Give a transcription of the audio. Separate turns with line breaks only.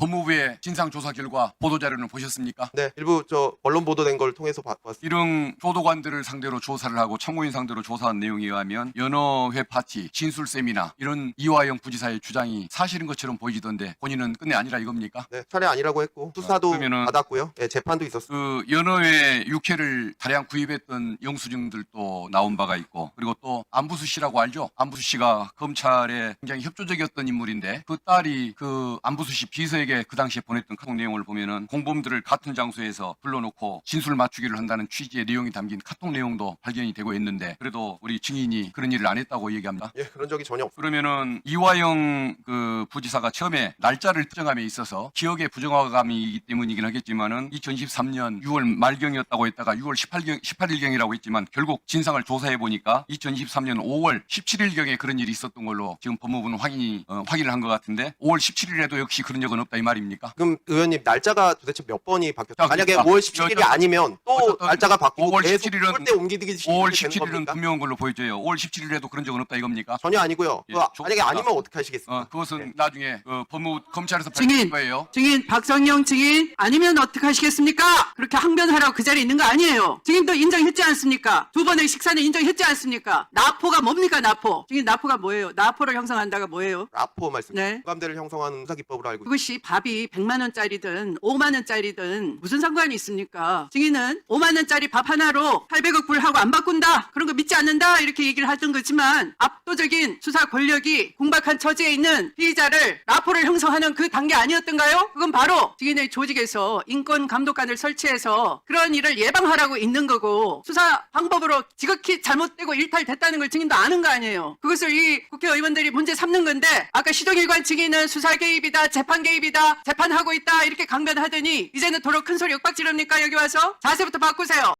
법무부의 진상조사 결과 보도자료는 보셨습니까?
네, 일부 언론 보도된 걸 통해서 봤습니다.
이런 교도관들을 상대로 조사를 하고 참고인 상대로 조사한 내용에 의하면 연어회 파티, 진술 세미나 이런 이화영 부지사의 주장이 사실인 것처럼 보이던데 본인은 끝내 아니라 이겁니까?
네, 차례 아니라고 했고 수사도
그러면은
받았고요. 네, 재판도 있었습니다.
그 연어회 육회를 다량 구입했던 영수증들도 나온 바가 있고 그리고 또 안부수 씨라고 알죠? 안부수 씨가 검찰에 굉장히 협조적이었던 인물인데 그 딸이 그 안부수 씨 비서에게 그 당시에 보냈던 카톡 내용을 보면은 공범들을 같은 장소에서 불러놓고 진술 맞추기를 한다는 취지의 내용이 담긴 카톡 내용도 발견이 되고 있는데 그래도 우리 증인이 그런 일을 안 했다고 얘기합니다.
예, 그런 적이 전혀 없습니다.
그러면은 이화영 그 부지사가 처음에 날짜를 특정함에 있어서 기억의 부정화감이기 때문이긴 하겠지만은 2023년 6월 말경이었다고 했다가 6월 18일경이라고 했지만 결국 진상을 조사해 보니까 2023년 5월 17일경에 그런 일이 있었던 걸로 지금 법무부는 확인을 한 것 같은데 5월 17일에도 역시 그런 적은 없다 이 말입니까?
그럼 의원님 날짜가 도대체 몇 번이 바뀌었어요?
자,
만약에
그러니까
5월 17일이 아니면 또
어쨌든
날짜가 바뀌고
5월
계속
17일은
그때 옮기기
5월
되는
17일은
겁니까?
분명한 걸로 보여져요. 5월 17일에도 그런 적은 없다 이겁니까?
전혀 아니고요.
예,
만약에 아니면 어떻게 하시겠습니까?
그것은
네.
나중에 법무부 검찰에서
증인,
밝힐 거예요.
증인 박성영 증인 아니면 어떻게 하시겠습니까? 그렇게 항변하라고 그 자리에 있는 거 아니에요. 증인도 인정했지 않습니까? 두 번의 식사는 인정했지 않습니까? 나포가 뭡니까 나포? 증인 나포가 뭐예요? 나포를 형성한다가 뭐예요?
라포 말씀.
네.
공감대를 형성하는 수사기법으로 알고 있습니다.
그것이 밥이 100만 원짜리든 5만 원짜리든 무슨 상관이 있습니까? 증인은 5만 원짜리 밥 하나로 800억 불하고 안 바꾼다. 그런 거 믿지 않는다. 이렇게 얘기를 하던 거지만 압도적인 수사 권력이 궁박한 처지에 있는 피의자를 라포를 형성하는 그 단계 아니었던가요? 그건 바로 증인의 조직에서 인권감독관을 설치해서 그런 일을 예방하라고 있는 거고 수사 방법으로 지극히 잘못되고 일탈됐다는 걸 증인도 아는 거 아니에요. 그것을 이 국회의원들이 문제 삼는 건데 아까 시종일관 증인은 수사 개입이다, 재판 개입이다, 재판하고 있다 이렇게 강변하더니 이제는 도로 큰 소리 윽박 지릅니까? 여기 와서 자세부터 바꾸세요.